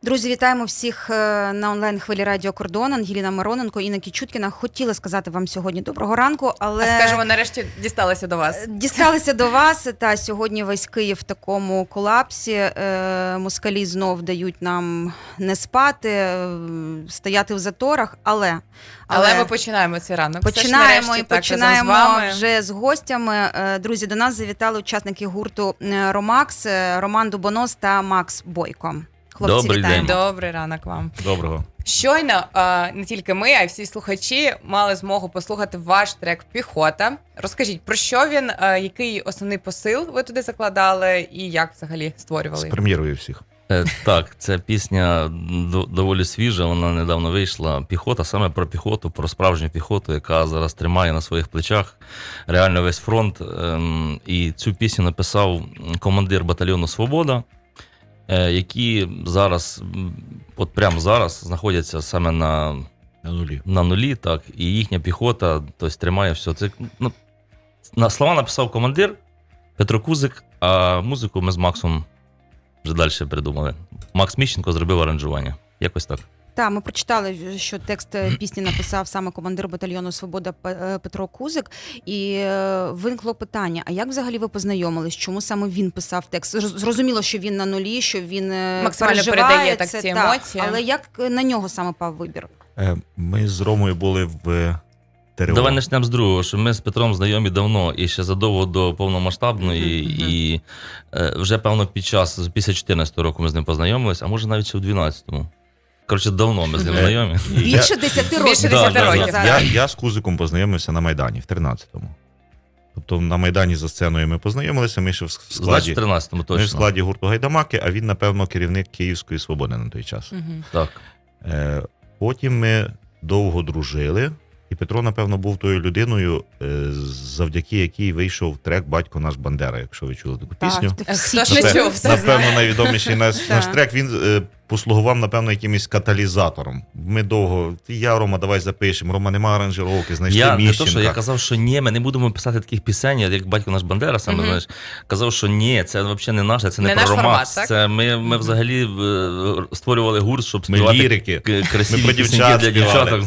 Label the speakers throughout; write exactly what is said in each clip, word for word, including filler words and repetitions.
Speaker 1: Друзі, вітаємо всіх на онлайн-хвилі Радіо Кордон. Ангеліна Мироненко, Інна Кічуткіна. Хотіла сказати вам сьогодні доброго ранку, але...
Speaker 2: А скажемо, нарешті дісталися до вас.
Speaker 1: Дісталися до вас, та сьогодні весь Київ в такому колапсі. Москалі знов дають нам не спати, стояти в заторах, але...
Speaker 2: Але, але ми починаємо цей ранок.
Speaker 1: Починаємо
Speaker 2: нарешті,
Speaker 1: і
Speaker 2: так,
Speaker 1: починаємо
Speaker 2: з
Speaker 1: вже з гостями. Друзі, до нас завітали учасники гурту «Ромакс», Роман Дубонос та Макс Бойко. Хлопці,
Speaker 3: Добрий
Speaker 1: вітаємо.
Speaker 3: день.
Speaker 2: Добрий ранок вам.
Speaker 3: Доброго.
Speaker 2: Щойно не тільки ми, а й всі слухачі мали змогу послухати ваш трек «Піхота». Розкажіть, про що він, який основний посил ви туди закладали і як взагалі створювали?
Speaker 4: З прем'єрою всіх.
Speaker 3: Е, так, ця пісня доволі свіжа, вона недавно вийшла. Піхота, саме про піхоту, про справжню піхоту, яка зараз тримає на своїх плечах реально весь фронт. Ем, і цю пісню написав командир батальйону «Свобода», е, які зараз, от прямо зараз, знаходяться саме на,
Speaker 4: На нулі.
Speaker 3: на нулі, так, і їхня піхота, тобто, тримає все. Це, ну, на слова написав командир Петро Кузик, а музику ми з Максом вже далі придумали. Макс Міщенко зробив аранжування. Якось так.
Speaker 1: Так, ми прочитали, що текст пісні написав саме командир батальйону «Свобода» Петро Кузик. І виникло питання, а як взагалі ви познайомились? Чому саме він писав текст? Зрозуміло, що він на нулі, що він
Speaker 2: максимально передає так ці емоції.
Speaker 1: Але як на нього саме пав вибір?
Speaker 4: Ми з Ромою були в ТРО.
Speaker 3: Давай почнемо з другого, що ми з Петром знайомі давно, і ще задовго до повномасштабної, mm-hmm. і е, вже, певно, під час, після чотирнадцятого року ми з ним познайомились, а може навіть ще у дванадцятому. Коротше, давно ми з ним знайомі.
Speaker 1: Більше десяти років.
Speaker 2: Більше десяти років.
Speaker 4: Я, я з Кузиком познайомився на Майдані в тринадцятому. Тобто на Майдані за сценою ми познайомилися, ми ще в складі,
Speaker 3: Значить, в тринадцятому точно.
Speaker 4: Ми в складі гурту «Гайдамаки», а він, напевно, керівник Київської «Свободи» на той час.
Speaker 2: Mm-hmm.
Speaker 3: Так.
Speaker 4: Е, потім ми довго дружили. І Петро, напевно, був тою людиною, завдяки якій вийшов трек «Батько наш Бандера», якщо ви чули таку пісню.
Speaker 2: Так, хто ж не чув, все
Speaker 4: Напевно,
Speaker 2: знає.
Speaker 4: найвідоміший наш, наш трек, він е, послугував, напевно, якимось каталізатором. Ми довго, я, Рома, давай запишемо, Рома, нема аранжировки, знайшли
Speaker 3: Я
Speaker 4: Міщенка.
Speaker 3: не то, що я казав, що ні, ми не будемо писати таких пісень, як «Батько наш Бандера», саме, mm-hmm. знаєш, казав, що ні, це взагалі не наше, це не, не про Ромакс. Це ми, ми взагалі е, створювали гурт, щоб співати красиві
Speaker 4: ми
Speaker 3: пісеньки для дівчаток.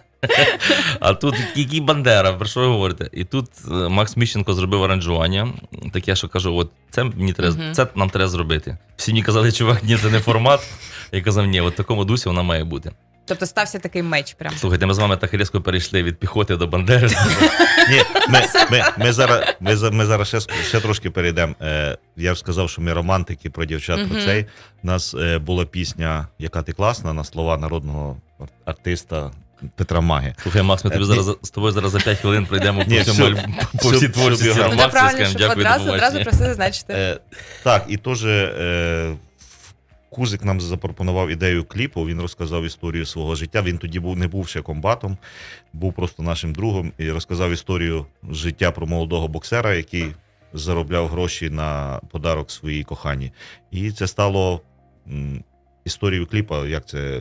Speaker 3: А тут який Бандера, про що ви говорите? І тут Макс Міщенко зробив аранжування, таке, що кажу, от це мені треба, uh-huh. це нам треба зробити. Всі мені казали, чувак, ні, це не формат. Я казав, ні, от в такому дусі вона має бути.
Speaker 2: Тобто стався такий меч прям.
Speaker 3: Слухайте, ми з вами так різко перейшли від піхоти до Бандери.
Speaker 4: Ні, ми, ми, ми зараз, ми, ми зараз ще, ще трошки перейдемо. Е, я ж сказав, що ми романтики про дівчат, uh-huh. про цей. У нас е, була пісня «Яка ти класна» на слова народного артиста Петра Маги.
Speaker 3: Слухай, Макс, ми тобі зараз, з тобою зараз за п'ять хвилин пройдемо
Speaker 4: Ні,
Speaker 3: по, всьому,
Speaker 4: все,
Speaker 3: по всій творчості.
Speaker 2: Ну,
Speaker 3: Макса,
Speaker 2: правильно, щоб
Speaker 3: дякую,
Speaker 2: одразу, одразу про це зазначити.
Speaker 4: Е, так, і теж е, Кузик нам запропонував ідею кліпу, він розказав історію свого життя. Він тоді був, не був ще комбатом, був просто нашим другом і розказав історію життя про молодого боксера, який заробляв гроші на подарок своїй коханій. І це стало м, історією кліпа, як це...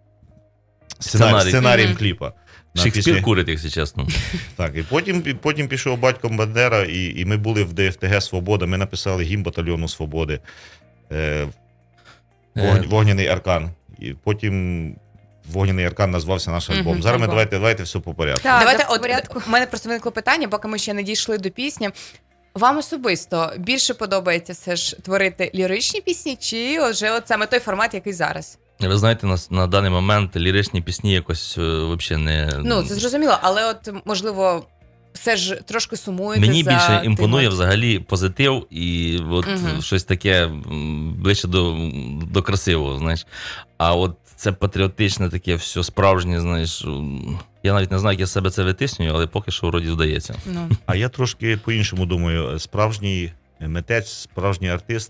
Speaker 4: Сценарій, сценарієм mm-hmm. кліпа.
Speaker 3: Шекспір пісні... курить, якщо чесно.
Speaker 4: Так, і потім, потім пішов батько Бандера, і, і ми були в ДФТГ «Свобода», ми написали гімн батальйону «Свободи», е, вогн, е... «Вогняний аркан». І потім «Вогняний аркан» назвався наш альбом. Mm-hmm. Зараз ми давайте, давайте все по порядку.
Speaker 2: Так, давайте, от, порядку. У мене просто виникло питання, поки ми ще не дійшли до пісні. Вам особисто більше подобається все ж творити ліричні пісні, чи вже от саме той формат, який зараз?
Speaker 3: Ви знаєте, на, на даний момент ліричні пісні якось е, взагалі не...
Speaker 2: Ну, це зрозуміло, але от, можливо, все ж трошки сумуєте
Speaker 3: Мені
Speaker 2: за...
Speaker 3: більше імпонує
Speaker 2: тим...
Speaker 3: взагалі позитив і от угу. щось таке ближче до, до красивого, знаєш. А от це патріотичне таке, все справжнє, знаєш. Я навіть не знаю, як я себе це витиснюю, але поки що вроді вдається.
Speaker 2: Ну.
Speaker 4: А я трошки по-іншому думаю. Справжній митець, справжній артист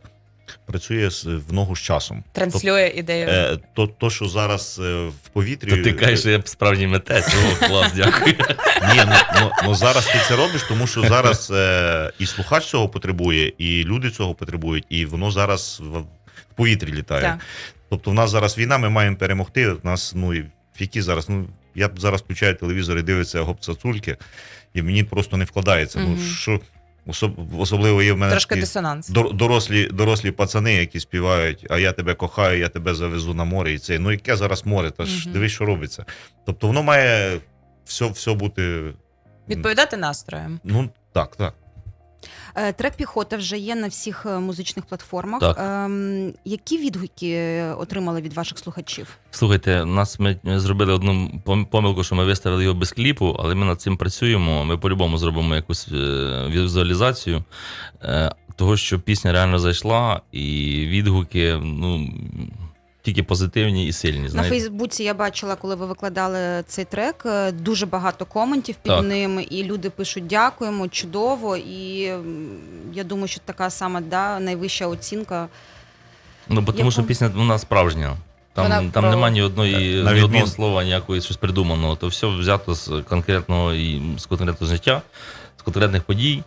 Speaker 4: працює в ногу з часом.
Speaker 2: Транслює Тоб, ідею.
Speaker 4: Е, то, то, що зараз в повітрі...
Speaker 3: То ти кажеш, що я справжній митець. О, клас, дякую.
Speaker 4: Ні, ну, ну, ну зараз ти це робиш, тому що зараз е, і слухач цього потребує, і люди цього потребують, і воно зараз в, в повітрі літає. Так. Тобто в нас зараз війна, ми маємо перемогти. У нас, ну, і які зараз, ну, я зараз включаю телевізор і дивиться гоп-цацульки, і мені просто не вкладається. Mm-hmm. Ну, що... Особ- особливо є в мене
Speaker 2: Трошки
Speaker 4: такі
Speaker 2: дисонанс.
Speaker 4: дор- дорослі, дорослі пацани, які співають, а я тебе кохаю, я тебе завезу на море. І це, ну яке зараз море, та ж
Speaker 2: Мгм.
Speaker 4: дивись, що робиться. Тобто воно має все, все бути.
Speaker 2: Відповідати настроєм.
Speaker 4: Ну, так, так.
Speaker 1: Е, Трек «Піхота» вже є на всіх е, музичних платформах.
Speaker 3: Так.
Speaker 1: Ем, які відгуки отримали від ваших слухачів?
Speaker 3: Слухайте, нас ми зробили одну пом- помилку, що ми виставили його без кліпу, але ми над цим працюємо. Ми по-любому зробимо якусь е, візуалізацію е, того, що пісня реально зайшла, і відгуки, ну. Тільки позитивні і сильні.
Speaker 1: На
Speaker 3: Знаєте?
Speaker 1: Фейсбуці я бачила, коли ви викладали цей трек, е, дуже багато коментів під
Speaker 3: Так.
Speaker 1: ним, і люди пишуть «дякуємо», «чудово», і м, я думаю, що така сама да, найвища оцінка.
Speaker 3: Ну, бо тому
Speaker 1: Яку?
Speaker 3: що пісня вона справжня. Там,
Speaker 2: Вона
Speaker 3: там
Speaker 2: про-
Speaker 3: немає ні одної
Speaker 4: На
Speaker 3: ні
Speaker 4: відмін-
Speaker 3: одного слова, ніякої щось придуманого. То все взято з конкретного і з конкретного життя, з конкретних подій.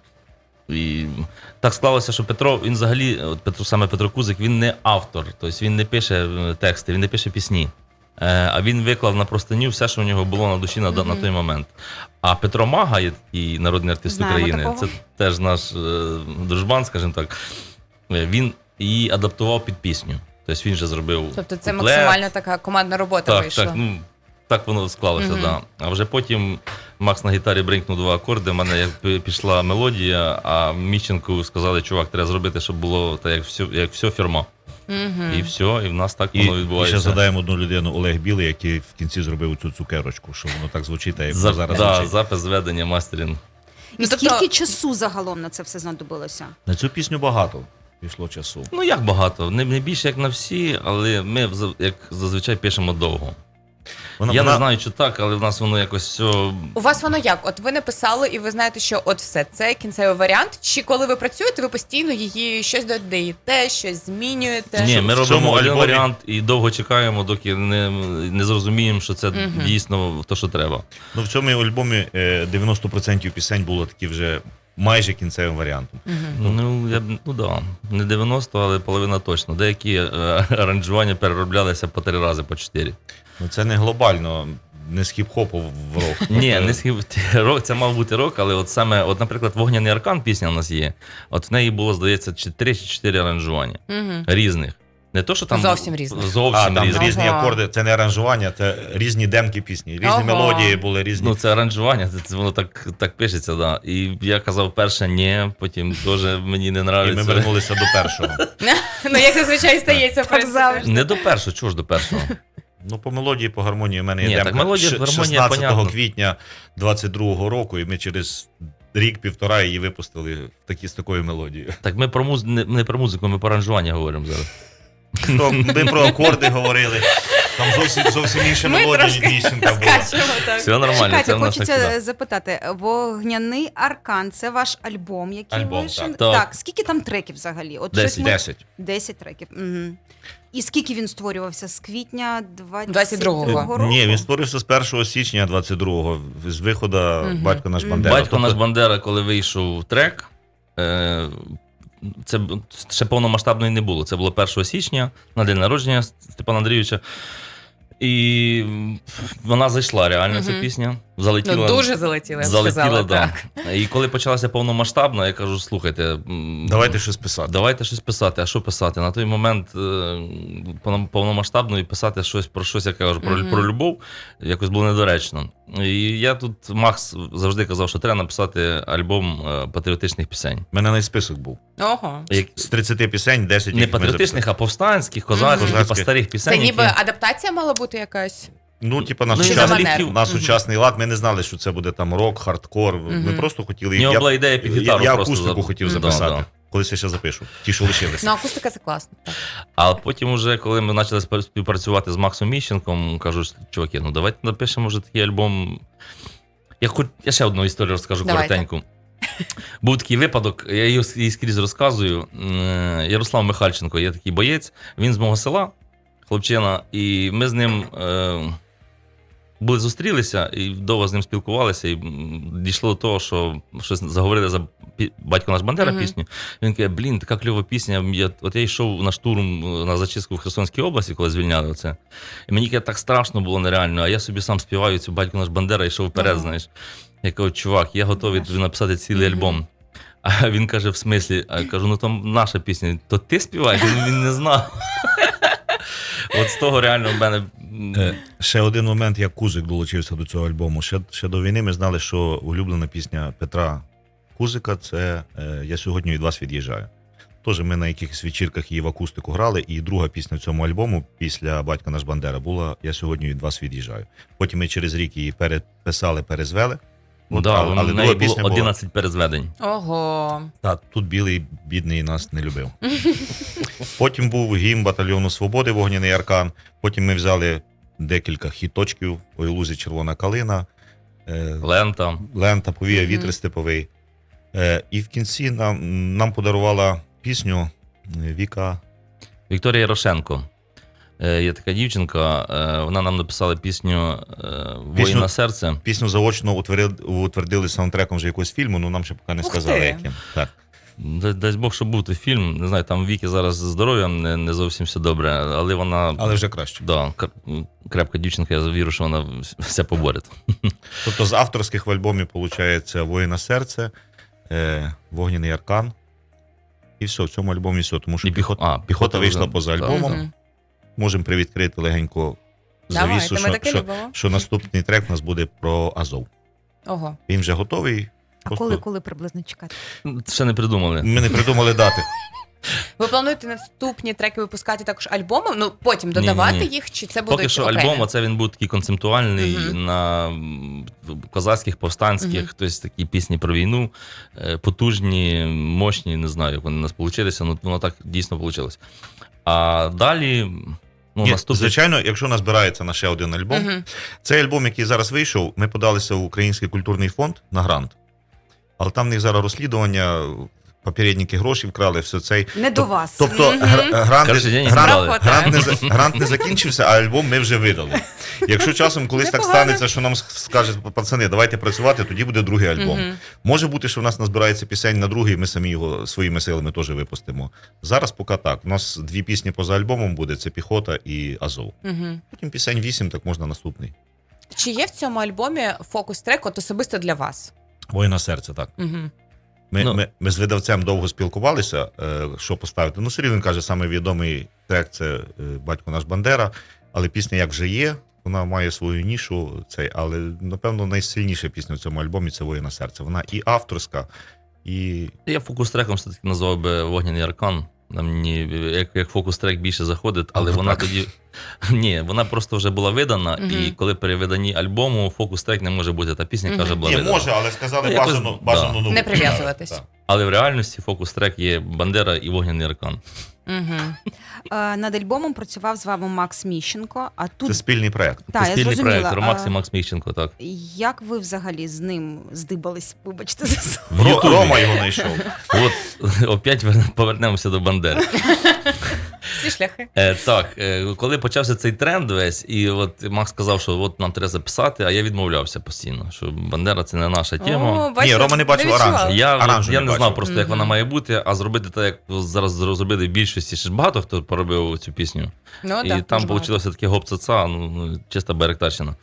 Speaker 3: І так склалося, що Петро, він взагалі, от Петро, саме Петро Кузик, він не автор, тобто він не пише е, тексти, він не пише пісні. Е, А він виклав на простиню все, що в нього було на душі на,
Speaker 2: Мгм.
Speaker 3: на той момент. А Петро Мага, є такий народний артист
Speaker 1: Знаємо
Speaker 3: України,
Speaker 1: такого.
Speaker 3: це теж наш е, дружбан, скажімо так. Е, Він її адаптував під пісню. Тобто він же зробив.
Speaker 2: Тобто це
Speaker 3: куплет.
Speaker 2: максимально така командна робота
Speaker 3: Так,
Speaker 2: вийшла.
Speaker 3: так, ну, так воно склалося,
Speaker 2: Мгм.
Speaker 3: да. А вже потім Макс на гітарі бринкнув два акорди, в мене як пі- пішла мелодія, а Міщенку сказали, чувак, треба зробити, щоб було так, як все, як все фірма.
Speaker 2: Мгм.
Speaker 3: І все, і в нас так
Speaker 4: І,
Speaker 3: воно
Speaker 4: і
Speaker 3: відбувається.
Speaker 4: ще згадаємо одну людину, Олег Білий, який в кінці зробив цю цукерочку, що воно так звучить, а як
Speaker 3: За,
Speaker 4: зараз
Speaker 3: да,
Speaker 4: звучить.
Speaker 3: запис зведення, мастерінг.
Speaker 1: І
Speaker 2: Ну, тобто-
Speaker 1: скільки часу загалом на це все знадобилося?
Speaker 4: На цю пісню багато пішло часу.
Speaker 3: Ну як багато, не, не більше, як на всі, але ми вза- як зазвичай пишемо довго.
Speaker 4: Вона,
Speaker 3: Я
Speaker 4: вона-
Speaker 3: не знаю, чи так, але в нас воно якось все.
Speaker 2: У вас воно як? От ви написали, і ви знаєте, що от все, це кінцевий варіант. Чи коли ви працюєте, ви постійно її щось додаєте, щось змінюєте?
Speaker 3: Ні, ми
Speaker 4: в цьому
Speaker 3: робимо один
Speaker 4: альбомі-
Speaker 3: варіант і довго чекаємо, доки не, не зрозуміємо, що це
Speaker 2: Мгм.
Speaker 3: дійсно те, що треба.
Speaker 4: Ну, в цьому альбомі е, дев'яносто відсотків пісень було такі вже майже кінцевим варіантом.
Speaker 2: Мгм.
Speaker 3: Ну, я, б- ну да, не дев'яносто, але половина точно. Деякі е, аранжування перероблялися по три рази, по чотири.
Speaker 4: Ну, це не глобально, не з хіп-хопу в рок.
Speaker 3: Ні, не схив рок, це мав бути рок, але от саме, от, наприклад, Вогняний аркан пісня у нас є. От в неї було, здається, чи три чи чотири аранжування
Speaker 2: Мгм.
Speaker 3: різних. Не то, що там
Speaker 2: Зовсім різних.
Speaker 3: Зовсім
Speaker 4: А, там
Speaker 3: різних.
Speaker 4: різні
Speaker 2: Ага.
Speaker 4: акорди, це не аранжування, це різні демки пісні, різні
Speaker 2: Ага.
Speaker 4: мелодії були, різні.
Speaker 3: Ну, це аранжування, це, це воно так, так пишеться, да. І я казав перше ні, потім теж мені не
Speaker 4: І ми
Speaker 3: нравиться.
Speaker 4: вернулися до першого.
Speaker 2: Ну, як зазвичай стається, в принципі.
Speaker 1: завжди.
Speaker 3: Не до першого, чого ж до першого?
Speaker 4: Ну, по мелодії, по гармонії в мене є
Speaker 3: Ні,
Speaker 4: демка
Speaker 3: так мелодія,
Speaker 4: ш-
Speaker 3: гармонія,
Speaker 4: шістнадцятого
Speaker 3: понятно.
Speaker 4: квітня двадцять другого року, і ми через рік-півтора її випустили в такі, з такою мелодією.
Speaker 3: Так ми про муз... не, не про музику, ми про аранжування говоримо зараз.
Speaker 4: То ми про акорди говорили, там зовсім, зовсім інша
Speaker 2: Ми
Speaker 4: мелодія
Speaker 2: трошки
Speaker 4: дівчинка була.
Speaker 2: скачемо так.
Speaker 3: Все нормально, це
Speaker 1: Чекайте,
Speaker 3: в нас так
Speaker 1: хочеться
Speaker 3: сюди.
Speaker 1: запитати. «Вогняний аркан» – це ваш альбом, який
Speaker 4: Альбом,
Speaker 1: вийшов?
Speaker 4: так.
Speaker 3: Так.
Speaker 1: Так, скільки там треків взагалі? От
Speaker 3: Десять.
Speaker 1: щось ми-
Speaker 4: Десять.
Speaker 1: десять треків. Угу. І скільки він створювався? З квітня
Speaker 2: двадцять
Speaker 1: двадцять
Speaker 2: другого.
Speaker 1: другого року?
Speaker 4: Ні, він створився з першого січня двадцять другого, з виходу
Speaker 2: Мгм.
Speaker 4: «Батько наш
Speaker 1: Мгм.
Speaker 4: Бандера».
Speaker 3: Батько наш
Speaker 4: Тобто,
Speaker 3: Бандера, коли вийшов трек, е, це б- ще повномасштабної не було. Це було першого січня на день народження Степана Андрійовича. І вона зайшла реально, ця
Speaker 2: Мгм.
Speaker 3: пісня. Залетіла.
Speaker 2: Ну, дуже залетіли, я б
Speaker 3: Залетіла,
Speaker 2: сказала,
Speaker 3: да.
Speaker 2: так.
Speaker 3: І коли почалася повномасштабна, я кажу, слухайте, м,
Speaker 4: давайте щось писати.
Speaker 3: давайте щось писати. А що писати? На той момент е, повно- повномасштабно і писати щось про щось, як я кажу, про,
Speaker 2: Мгм.
Speaker 3: про любов, якось було недоречно. І я тут, Макс завжди казав, що треба написати альбом е, патріотичних пісень.
Speaker 4: У мене навіть список був.
Speaker 2: Ого.
Speaker 3: Як,
Speaker 4: З тридцяти пісень десять
Speaker 3: не
Speaker 4: їх ми
Speaker 3: патріотичних, а повстанських, козацьких,
Speaker 4: Мгм.
Speaker 3: типу старих пісень.
Speaker 2: Це ніби
Speaker 3: які-
Speaker 2: адаптація мала бути якась?
Speaker 4: Ну, типу, на
Speaker 3: Ну,
Speaker 2: Чи за
Speaker 4: сучасний,
Speaker 2: манеру?
Speaker 4: на
Speaker 2: Мгм.
Speaker 4: сучасний лад ми не знали, що це буде там рок, хардкор. Ми
Speaker 2: Мгм.
Speaker 4: просто хотіли.
Speaker 3: В нього
Speaker 4: я,
Speaker 3: була ідея під
Speaker 4: я,
Speaker 3: гітару.
Speaker 4: я
Speaker 3: просто
Speaker 4: акустику
Speaker 3: за-
Speaker 4: хотів
Speaker 3: Да,
Speaker 4: записати.
Speaker 3: да.
Speaker 4: Колись я ще запишу. Ті, що лишилися.
Speaker 2: Ну, акустика це класно. Так.
Speaker 3: А потім, уже, коли ми почали спа- співпрацювати з Максом Міщенком, кажуть, чуваки, ну давайте напишемо вже такий альбом. Я, хоч, я ще одну історію розкажу
Speaker 2: Давайте.
Speaker 3: коротеньку. Був такий випадок, я її її скрізь розказую. Е, Ярослав Михальченко, є такий боєць, він з мого села, хлопчина, і ми з ним е, були зустрілися і довго з ним спілкувалися, і м, дійшло до того, що щось заговорили за пі- «Батько наш Бандера»
Speaker 2: Мгм.
Speaker 3: пісню. Він каже, блін, така кльова пісня. Я, от я йшов на штурм е, на зачистку в Херсонській області, коли звільняли оце. І мені каже, так страшно було нереально, а я собі сам співаю цю «Батько наш Бандера» і йшов вперед,
Speaker 2: Ага.
Speaker 3: знаєш. Я кажу, чувак, я готовий тобі написати цілий
Speaker 2: Мгм.
Speaker 3: альбом. А він каже, в смислі, а я кажу, ну там наша пісня, то ти співаєш? Він, він не знав. От з того реально в мене.
Speaker 4: Е, Ще один момент, як Кузик долучився до цього альбому. Ще, ще до війни ми знали, що улюблена пісня Петра Кузика це е, «Я сьогодні від вас від'їжджаю». Тож ми на якихось вечірках її в акустику грали, і друга пісня в цьому альбому після «Батько наш Бандера» була «Я сьогодні від вас від'їжджаю». Потім ми через рік її переписали, перезвели.
Speaker 3: Ну,
Speaker 4: От,
Speaker 3: да,
Speaker 4: але, але
Speaker 3: в неї
Speaker 4: друга
Speaker 3: було
Speaker 4: пісня була.
Speaker 3: одинадцять перезведень.
Speaker 2: Ого.
Speaker 4: Та, тут білий, бідний, нас не любив. Потім був гімн батальйону Свободи «Вогняний аркан». Потім ми взяли декілька хіточків «Ой, лузі червона калина», е,
Speaker 3: Лента.
Speaker 4: «Лента», «Повія
Speaker 2: Мгм.
Speaker 4: вітер степовий». Е, І в кінці нам, нам подарувала пісню Віка.
Speaker 3: Вікторія Ярошенко. Е, Є така дівчинка, е, вона нам написала пісню е, «Воїн
Speaker 4: Пісню-
Speaker 3: на серце».
Speaker 4: Пісню заочно утвердили, утвердили саундтреком вже якогось фільму, але нам ще поки не
Speaker 2: Ух
Speaker 4: сказали,
Speaker 2: ти.
Speaker 4: яким. Так.
Speaker 3: Дай, дай Бог, щоб був той фільм. Не знаю, там Віки зараз з здоров'ям не, не зовсім все добре, але вона.
Speaker 4: Але вже краще.
Speaker 3: Да, кр- крепка дівчинка, я вірю, що вона все поборить.
Speaker 4: Тобто з авторських в альбомі виходить «Воїн на серце», е, «Вогняний аркан». І все, в цьому альбомі все, тому що
Speaker 3: І
Speaker 4: піхота,
Speaker 3: піхо- а,
Speaker 4: піхота
Speaker 3: піхота
Speaker 4: вийшла
Speaker 3: вже-
Speaker 4: поза
Speaker 3: так.
Speaker 4: альбомом.
Speaker 2: Мгм.
Speaker 4: Можемо привідкрити легенько
Speaker 2: Давайте,
Speaker 4: завісу,
Speaker 2: ми
Speaker 4: що,
Speaker 2: таке
Speaker 4: що,
Speaker 2: любимо.
Speaker 4: що наступний трек у нас буде про Азов.
Speaker 2: Ого.
Speaker 4: Він вже готовий.
Speaker 1: А
Speaker 4: Просто
Speaker 1: коли, коли приблизно чекати?
Speaker 3: Ще не придумали.
Speaker 4: Ми не придумали дати.
Speaker 2: Ви плануєте наступні треки випускати також альбомом? Ну, потім додавати
Speaker 3: Ні-ні-ні.
Speaker 2: їх, чи це буде
Speaker 3: Поки що
Speaker 2: окремі?
Speaker 3: альбом, оце він був такий концептуальний
Speaker 2: Мгм.
Speaker 3: на м, козацьких, повстанських,
Speaker 2: Мгм.
Speaker 3: тобто такі пісні про війну, е, потужні, мощні, не знаю, як вони у нас вийшли, але воно так дійсно вийшло. А далі, ну,
Speaker 4: Ні,
Speaker 3: наступний.
Speaker 4: звичайно, якщо назбирається на ще один альбом,
Speaker 2: Мгм.
Speaker 4: цей альбом, який зараз вийшов, ми подалися в Український культурний фонд на грант. Але там в них зараз розслідування, попередники гроші вкрали, все цей.
Speaker 1: Не до вас.
Speaker 4: Тобто
Speaker 2: Мгм.
Speaker 4: гра- грант,
Speaker 3: Коротше, денег
Speaker 4: грант,
Speaker 3: збирали.
Speaker 2: Грант
Speaker 4: грант, не, за- грант не закінчився, а альбом ми вже видали. Якщо часом колись так
Speaker 2: Непогано.
Speaker 4: станеться, що нам скажуть, пацани, давайте працювати, тоді буде другий альбом.
Speaker 2: Мгм.
Speaker 4: Може бути, що в нас назбирається пісень на другий, ми самі його своїми силами теж випустимо. Зараз поки так. У нас дві пісні поза альбомом буде: це «Піхота» і «Азов».
Speaker 2: Мгм.
Speaker 4: Потім пісень вісім, так можна наступний.
Speaker 2: Чи є в цьому альбомі фокус-трек от особисто для вас?
Speaker 4: «Воїна серце», так.
Speaker 2: Угу.
Speaker 4: Ми,
Speaker 3: Ну.
Speaker 4: ми, ми з видавцем довго спілкувалися, е, що поставити. Ну, все рівно він каже, саме відомий трек це е, «Батько наш Бандера», але пісня як вже є, вона має свою нішу, цей, але, напевно, найсильніша пісня в цьому альбомі це «Воїна серце». Вона і авторська, і
Speaker 3: Я фокус-треком все-таки назвав би «Вогняний аркан». Нам мені як, як фокус-трек більше заходить, але
Speaker 4: Ну,
Speaker 3: вона
Speaker 4: так.
Speaker 3: тоді. Ні, вона просто вже була видана,
Speaker 2: Мгм.
Speaker 3: і коли при виданні альбому фокус-трек не може бути. Та пісня
Speaker 2: Мгм.
Speaker 3: яка вже була
Speaker 4: ні,
Speaker 3: видана.
Speaker 4: може, але сказали
Speaker 3: Ну, якось,
Speaker 4: бажано,
Speaker 3: да.
Speaker 4: бажано нову.
Speaker 2: Не прив'язуватись.
Speaker 4: Так.
Speaker 3: Але в реальності фокус-трек є Бандера і Вогняний аркан.
Speaker 2: Угу.
Speaker 1: Е, Над альбомом працював з вами Макс Міщенко, а тут
Speaker 4: Це спільний проєкт.
Speaker 1: та,
Speaker 3: Це
Speaker 1: я
Speaker 3: спільний
Speaker 1: зрозуміла.
Speaker 3: проєкт Ромакс і
Speaker 1: А,
Speaker 3: Макс Міщенко, так.
Speaker 1: Як ви взагалі з ним здибались? Вибачте за слово.
Speaker 3: В
Speaker 4: Ро-
Speaker 3: Ютубі.
Speaker 4: Рома його знайшов.
Speaker 3: От опять вер- повернемося до Бандери.
Speaker 2: Всі шляхи.
Speaker 3: Е, так, е, коли почався цей тренд весь, і от Макс сказав, що от нам треба записати, а я відмовлявся постійно, що Бандера це не наша тема.
Speaker 2: О, бачите,
Speaker 4: Ні, Рома не бачив
Speaker 2: відчувала.
Speaker 4: оранжу.
Speaker 3: Я,
Speaker 4: Оранжу
Speaker 3: я
Speaker 4: не
Speaker 3: не знав
Speaker 4: бачив.
Speaker 3: просто, як вона
Speaker 2: Мгм.
Speaker 3: має бути, а зробити так, як зараз зробили в більшості. Ще ж багато хто поробив цю пісню.
Speaker 2: Ну,
Speaker 3: І
Speaker 2: да,
Speaker 3: там
Speaker 2: дуже багато.
Speaker 3: вийшло таке гоп-ца-ца, ну, ну, чиста беректарщина.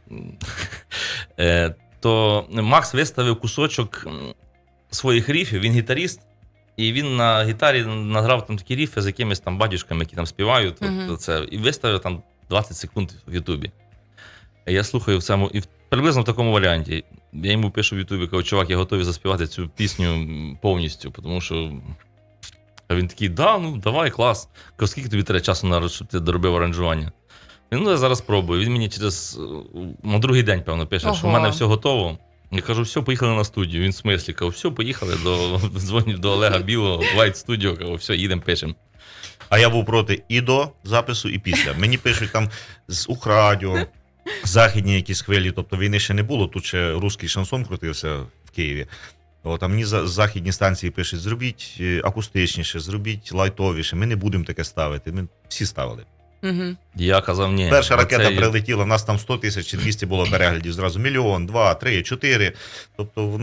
Speaker 3: Е, то Макс виставив кусочок м, своїх ріфів, він гітаріст, і він на гітарі награв там такі ріфи з якимись там батюшками, які там співають, от,
Speaker 2: Мгм.
Speaker 3: це, і виставив там двадцять секунд в Ютубі. Я слухаю в цьому, і в- приблизно в такому варіанті. Я йому пишу в Ютубі, кажу, чувак, я готовий заспівати цю пісню м, повністю, тому що. А він такий, да, ну давай, клас. Кажу, скільки тобі треба часу, на, щоб ти доробив аранжування? Він, ну, я зараз спробую. Він мені через е, на другий день, певно, пише, що в
Speaker 2: Ого.
Speaker 3: мене все готово. Я кажу, все, поїхали на студію. Він в смислі, кажу, все, поїхали до дзвонів до Олега Білого, White Studio, кажу, все, їдемо, пишемо.
Speaker 4: А я був проти і до запису, і після. Мені пишуть там з Ухрадіо, західні якісь хвилі, тобто війни ще не було, тут ще русський шансон крутився в Києві. От, а мені за західні станції пишуть, зробіть е, акустичніше, зробіть лайтовіше, ми не будемо таке ставити. Ми всі ставили.
Speaker 2: Угу.
Speaker 3: Я казав, ні.
Speaker 4: Перша ракета
Speaker 3: оцей-
Speaker 4: прилетіла, в нас там сто тисяч чи двісті було переглядів, зразу мільйон, два, три, чотири. Тобто воно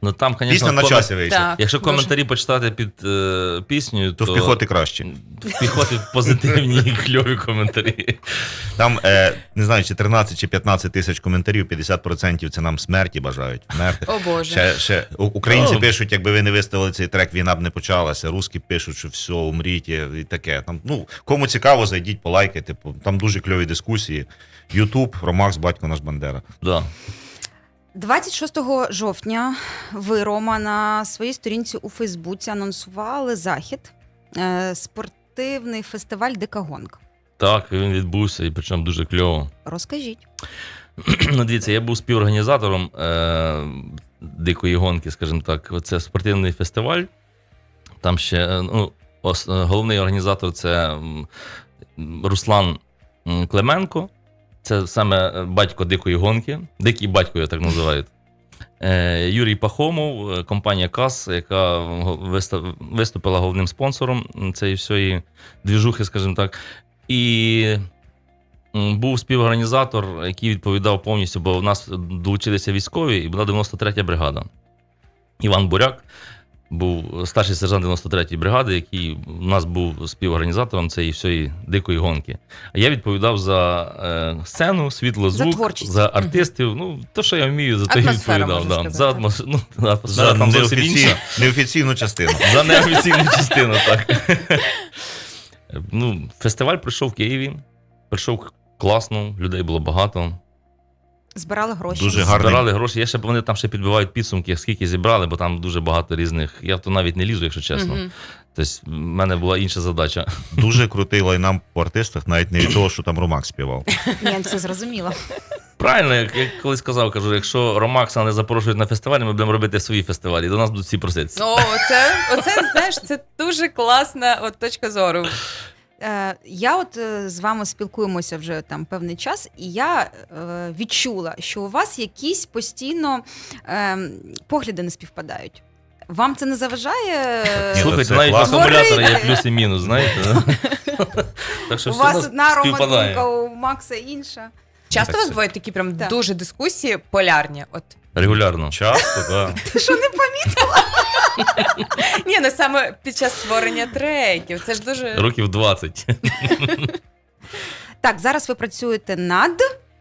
Speaker 3: Ну там,
Speaker 4: Пісня
Speaker 3: звісно,
Speaker 4: на
Speaker 3: комент-
Speaker 4: часі вийшла.
Speaker 2: Так,
Speaker 3: якщо
Speaker 2: дуже.
Speaker 3: коментарі почитати під е, піснею,
Speaker 4: То
Speaker 3: то
Speaker 4: в піхоти краще.
Speaker 3: в піхоти позитивні і кльові коментарі.
Speaker 4: Там, е, не знаю, чи тринадцять чи п'ятнадцять тисяч коментарів, п'ятдесят відсотків це нам смерті бажають. Вмерти.
Speaker 2: О Боже.
Speaker 4: Ще, ще, у- українці
Speaker 3: Ну.
Speaker 4: пишуть, якби ви не виставили цей трек, війна б не почалася. Русські пишуть, що все, умріть і таке. Там, ну, кому цікаво, зайдіть, полайкайте. Там дуже кльові дискусії. Ютуб, Ромакс, батько наш Бандера.
Speaker 3: Да.
Speaker 1: двадцять шостого жовтня ви, Рома, на своїй сторінці у Фейсбуці анонсували захід, е, спортивний фестиваль Дика гонка.
Speaker 3: Так, він відбувся, і причому дуже кльово.
Speaker 1: Розкажіть.
Speaker 3: Ну, дивіться, я був співорганізатором е, дикої гонки, скажімо так. Це спортивний фестиваль. Там ще е, ну, ос, головний організатор це м, Руслан м, Клименко. Це саме батько дикої гонки. Дикий батько, його так називають. Е, Юрій Пахомов, е, компанія КАС, яка виста- виступила головним спонсором цієї всієї двіжухи, скажімо так. І м, був співорганізатор, який відповідав повністю, бо в нас долучилися військові, і була дев'яносто третя бригада. Іван Буряк був старший сержант дев'яносто третьої бригади, який у нас був співорганізатором цієї всієї дикої гонки. А я відповідав за е, сцену, світло,
Speaker 1: За
Speaker 3: звук,
Speaker 1: творчість.
Speaker 3: за артистів. Ну, то, що я вмію, за те й
Speaker 2: Атмосфера,
Speaker 3: відповідав.
Speaker 2: можна
Speaker 3: Да. За
Speaker 2: сказати.
Speaker 3: атмос... ну, атмосфера
Speaker 4: За
Speaker 3: там зовсім
Speaker 4: неофіцій...
Speaker 3: інша.
Speaker 4: неофіційну частину.
Speaker 3: За неофіційну частину, так. Ну, фестиваль пройшов в Києві. Прийшов класно, людей було багато.
Speaker 1: Збирали гроші.
Speaker 4: Дуже гарно.
Speaker 3: Збирали гроші. Я ще, вони там ще підбивають підсумки, скільки зібрали, бо там дуже багато різних. Я в то навіть не лізу, якщо чесно.
Speaker 2: Мгм.
Speaker 3: Тобто, в мене була інша задача.
Speaker 4: Дуже крутий лайнап по артистах, навіть не від того, що там Ромак співав.
Speaker 1: Ні, це зрозуміло.
Speaker 3: Правильно, як я колись сказав, кажу, якщо Ромакса не запрошують на фестивалі, ми будемо робити свої фестивалі. До нас будуть всі проситися.
Speaker 2: Ну, оце, оце, знаєш, це дуже класна от, точка зору.
Speaker 1: Е, Я от е, з вами спілкуємося вже там певний час, і я е, відчула, що у вас якісь постійно е, погляди не співпадають. Вам це не заважає?
Speaker 4: Ні,
Speaker 3: Слухайте,
Speaker 4: це
Speaker 3: навіть в
Speaker 4: класно.
Speaker 3: акумулятора є
Speaker 1: Говорити.
Speaker 3: плюс і мінус, знаєте. Так що
Speaker 1: У
Speaker 3: все
Speaker 1: вас
Speaker 3: нас
Speaker 1: одна
Speaker 3: співпадає.
Speaker 1: романтика, у Макса інша.
Speaker 2: Часто
Speaker 4: Так,
Speaker 2: у вас
Speaker 4: це-
Speaker 2: бувають такі прям
Speaker 1: Так.
Speaker 2: дуже дискусії полярні? От.
Speaker 3: Регулярно.
Speaker 4: Часто, так.
Speaker 1: Ти що не помітила?
Speaker 2: Ні, не саме під час створення треків. Це ж дуже.
Speaker 3: Років двадцять.
Speaker 1: Так, зараз ви працюєте над.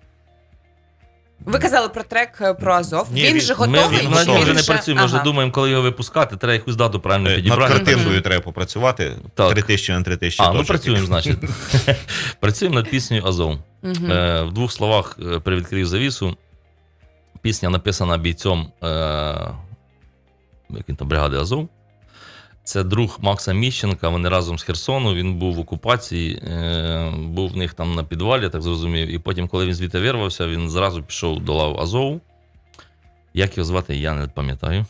Speaker 2: Ви казали про трек е, про Азов.
Speaker 4: Ні,
Speaker 2: він
Speaker 4: він-
Speaker 2: же
Speaker 3: Ми,
Speaker 2: готовий.
Speaker 3: ми,
Speaker 2: чи
Speaker 3: ми
Speaker 2: він
Speaker 3: вже не
Speaker 2: ще-
Speaker 3: працюємо, ми вже
Speaker 2: Ага.
Speaker 3: думаємо, коли його випускати, треба якусь дату правильно
Speaker 4: Над
Speaker 3: підібрати.
Speaker 4: картинкою
Speaker 2: Мгм.
Speaker 4: треба попрацювати.
Speaker 3: Так.
Speaker 4: Три тисячі на три тисячі.
Speaker 3: А, ну
Speaker 4: точок.
Speaker 3: працюємо, значить. Працюємо над піснею Азов.
Speaker 2: Мгм.
Speaker 3: Е, в двох словах е, привідкрив завісу. Пісня написана бійцом е, як він там, бригади Азов. Це друг Макса Міщенка, вони разом з Херсону, він був в окупації, е, був в них там на підвалі, я так зрозумів. І потім, коли він звідти вирвався, він зразу пішов до лав Азову. Як його звати, я не пам'ятаю.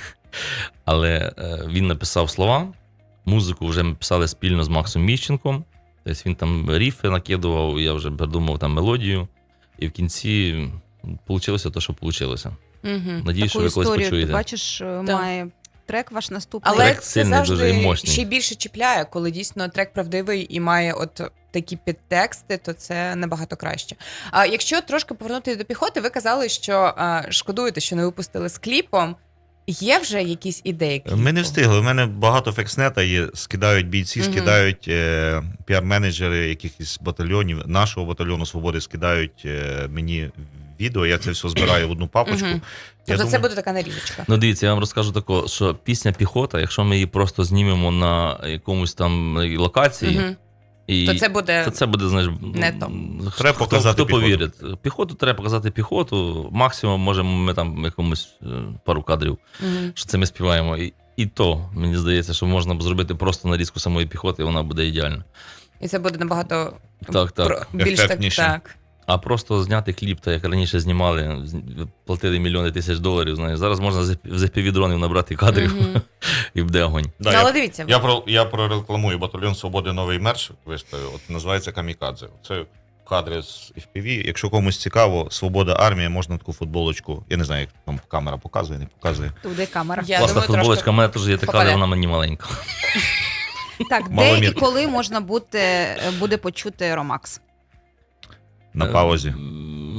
Speaker 3: Але е, він написав слова. Музику вже ми писали спільно з Максом Міщенком. Тобто він там ріфи накидував, я вже придумав там мелодію. І в кінці вийшло те, що вийшло.
Speaker 2: Мгм.
Speaker 3: Надіюсь, що
Speaker 1: Таку
Speaker 3: ви колись
Speaker 1: історію, ти
Speaker 3: почуєте.
Speaker 1: бачиш, е,
Speaker 2: Так.
Speaker 1: має трек ваш наступний.
Speaker 2: Але
Speaker 3: Трек
Speaker 2: це
Speaker 3: сильний, дуже
Speaker 2: завжди
Speaker 3: і мощний.
Speaker 2: ще й більше чіпляє, коли дійсно трек правдивий і має от такі підтексти, то це набагато краще. А якщо трошки повернутися до піхоти, ви казали, що а, шкодуєте, що не випустили з кліпом. Є вже якісь ідеї? кліпу?
Speaker 4: Ми не встигли. У мене багато фекснета є. Скидають бійці,
Speaker 2: Мгм.
Speaker 4: скидають е, піар-менеджери якихось батальйонів, нашого батальйону Свободи скидають е, мені відео. Я це все збираю в одну папочку.
Speaker 2: Мгм.
Speaker 4: Я
Speaker 2: Тобто це
Speaker 4: думаю-
Speaker 2: буде така нарізочка.
Speaker 3: Ну, дивіться, я вам розкажу тако, що пісня піхота, якщо ми її просто знімемо на якомусь там локації,
Speaker 2: Мгм.
Speaker 3: і
Speaker 2: То це буде
Speaker 3: то це буде, знаєш,
Speaker 2: не то.
Speaker 3: хто-
Speaker 4: Треба
Speaker 3: хто,
Speaker 4: показати
Speaker 3: хто
Speaker 4: піхоту.
Speaker 3: повірить. Піхоту треба показати піхоту. Максимум можемо ми там якомусь е, пару кадрів,
Speaker 2: Мгм.
Speaker 3: що це ми співаємо. І, і то, мені здається, що можна б зробити просто нарізку самої піхоти, і вона буде ідеальна.
Speaker 2: І це буде набагато
Speaker 3: Так, так.
Speaker 2: про- більш так,
Speaker 4: Ефектніше.
Speaker 2: так.
Speaker 3: А просто зняти кліп, так як раніше знімали, з- платили мільйони тисяч доларів. Знаєш, зараз можна з з еф пі ві-дронів набрати кадрів
Speaker 2: Мгм.
Speaker 3: і буде огонь.
Speaker 4: Да,
Speaker 2: Ну, але
Speaker 4: я,
Speaker 2: дивіться,
Speaker 4: я, про, я прорекламую батальйон Свободи новий мерч виставив. От називається Камікадзе. Це кадри з еф пі ві. Якщо комусь цікаво, Свобода армія, можна таку футболочку. Я не знаю, як там камера показує, не показує.
Speaker 1: Туди камера.
Speaker 2: я
Speaker 3: Класна
Speaker 2: думаю,
Speaker 3: футболочка,
Speaker 2: трошки
Speaker 3: у мене теж є така, але
Speaker 2: попаде.
Speaker 3: вона мені маленька.
Speaker 1: Так, де і
Speaker 4: Маломірки.
Speaker 1: коли можна бути, буде почути Ромакс?
Speaker 4: На
Speaker 3: Е,
Speaker 4: паузі.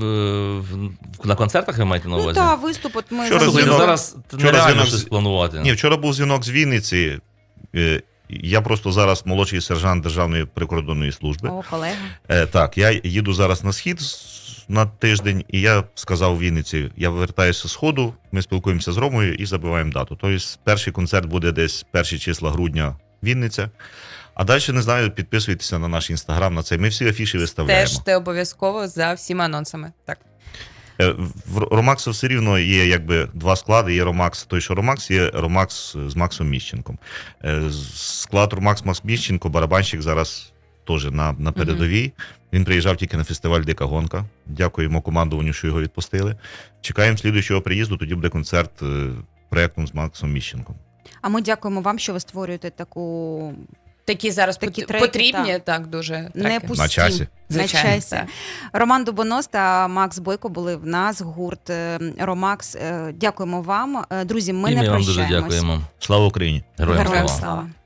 Speaker 3: в- на концертах ви маєте на
Speaker 1: Ну
Speaker 3: увазі?
Speaker 1: так, виступ, от ми
Speaker 4: Вчора
Speaker 1: за-
Speaker 3: Слухайте,
Speaker 4: дзвінок-
Speaker 3: зараз
Speaker 4: вчора
Speaker 3: нереально
Speaker 4: дзвінок
Speaker 3: щось
Speaker 4: з-
Speaker 3: планувати.
Speaker 4: Ні, вчора був дзвінок з Вінниці. Е, Я просто зараз молодший сержант Державної прикордонної служби.
Speaker 1: О, колега.
Speaker 4: Е, Так, я їду зараз на схід з- на тиждень, і я сказав Вінниці, я вертаюся з сходу, ми спілкуємося з Ромою і забиваємо дату. Тобто перший концерт буде десь перші числа грудня Вінниця. А далі, не знаю, підписуйтеся на наш інстаграм, на цей. Ми всі афіші виставляємо.
Speaker 2: Стежте обов'язково за всіма анонсами. Так.
Speaker 4: Е, В Ромакса все рівно є якби два склади. Є Ромакс, той, що Ромакс, є Ромакс з Максом Міщенком. Е, Склад Ромакс Макс Міщенко, барабанщик зараз теж на, на передовій. Він приїжджав тільки на фестиваль Дика Гонка. Дякуємо командуванню, що його відпустили. Чекаємо слідуючого приїзду, тоді буде концерт е, проєктом з Максом Міщенком.
Speaker 1: А ми дякуємо вам, що ви створюєте таку
Speaker 2: Такі зараз
Speaker 1: Такі
Speaker 2: пот-
Speaker 1: треки,
Speaker 2: потрібні,
Speaker 1: так.
Speaker 2: так, дуже
Speaker 1: не
Speaker 2: треки.
Speaker 1: пусті.
Speaker 4: На часі.
Speaker 1: На
Speaker 2: Звичайно,
Speaker 1: часі.
Speaker 2: так.
Speaker 1: Роман Дубонос та Макс Бойко були в нас, гурт е, Ромакс. Е, Дякуємо вам. Е, Друзі, ми
Speaker 3: І
Speaker 1: не
Speaker 3: ми вам дуже
Speaker 1: прощаємось.
Speaker 3: дякуємо.
Speaker 4: Слава Україні!
Speaker 3: Героям
Speaker 1: Героям
Speaker 3: слава.
Speaker 1: слава.